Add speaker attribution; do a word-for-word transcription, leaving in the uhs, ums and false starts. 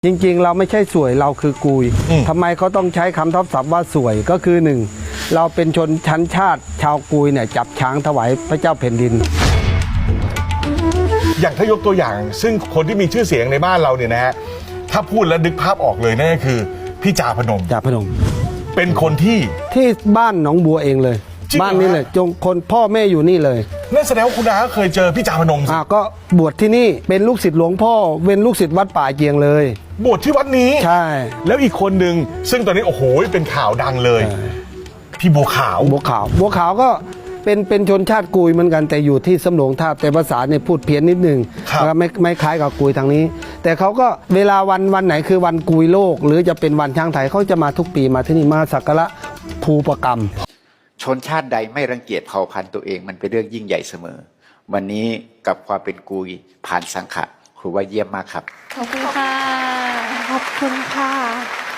Speaker 1: จริงๆเราไม่ใช่สวยเราคือกุยทำไมเขาต้องใช้คำทับศัพท์ว่าสวยก็คือหนึ่งเราเป็นชนชั้นชาติชาวกุยเนี่ยจับช้างถวายพระเจ้าแผ่นดิน
Speaker 2: อย่างถ้ายกตัวอย่างซึ่งคนที่มีชื่อเสียงในบ้านเราเนี่ยนะฮะถ้าพูดแล้วนึกภาพออกเลยนั่นก็คือพี่จาพนม
Speaker 1: จาพนม
Speaker 2: เป็นคนที่
Speaker 1: ที่บ้านหนองบัวเองเลยบ้านนี้เลยจงคนพ่อแม่อยู่นี่เลย
Speaker 2: นั่นแสดงว่าคุณอาเคยเจอพี่จาพนมสิ
Speaker 1: อ่าก็บวชที่นี่เป็นลูกศิษย์หลวงพ่อเป็นลูกศิษย์วัดป่าเจียงเลย
Speaker 2: บวชที่วัดนี้
Speaker 1: ใช่
Speaker 2: แล้วอีกคนหนึ่งซึ่งตอนนี้โอ้โหเป็นข่าวดังเลยพี่บัวขาว
Speaker 1: บัวขาวบัวขาวก็เป็นเป็นชนชาติกุยเหมือนกันแต่อยู่ที่สำโรงทาบแต่ภาษาเนี่ยพูดเพี้ยนนิดนึงนะครับไม่ไม่คล้ายกับกุยทางนี้แต่เขาก็เวลาวันวันไหนคือวันกุยโลกหรือจะเป็นวันช้างไทยเขาจะมาทุกปีมาที่นี่มาสักการะภูปกรรม
Speaker 3: ชนชาติใดไม่รังเกียจเผ่าพันธุ์ตัวเองมันเป็นเรื่องยิ่งใหญ่เสมอวันนี้กับความเป็นกุยผ่านสังขะครูว่าเยี่ยมมากครับ
Speaker 4: ขอบคุณค่ะขอบคุณค่ะ